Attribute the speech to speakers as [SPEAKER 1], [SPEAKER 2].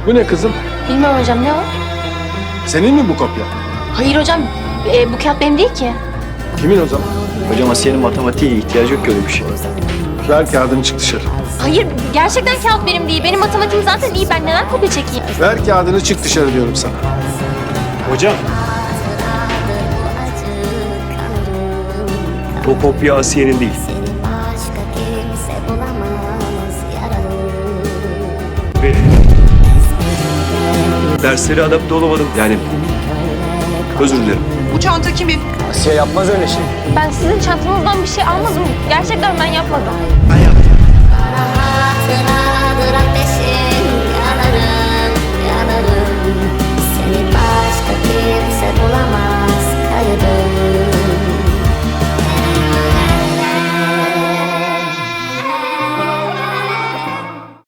[SPEAKER 1] Bu ne kızım?
[SPEAKER 2] Bilmiyorum hocam, ne o?
[SPEAKER 1] Senin mi bu kopya?
[SPEAKER 2] Hayır hocam, bu kağıt benim değil ki.
[SPEAKER 1] Kimin o zaman?
[SPEAKER 3] Hocam Asiye'nin matematiğe ihtiyacı yok ki öyle bir şey.
[SPEAKER 1] Ver kağıdını çık dışarı.
[SPEAKER 2] Hayır, gerçekten kağıt benim değil. Benim matematiğim zaten iyi. Ben neden kopya çekeyim?
[SPEAKER 1] Ver kağıdını çık dışarı diyorum sana.
[SPEAKER 3] Hocam. O kopya Asiye'nin değil. Benim. Derslere adapte olamadım. Yani özür dilerim.
[SPEAKER 4] Bu çanta kimin?
[SPEAKER 3] Asiye yapmaz öyle şey.
[SPEAKER 2] Ben sizin çantanızdan bir şey almadım. Gerçekten ben yapmadım.
[SPEAKER 4] Ben yaptım.
[SPEAKER 5] Hatıra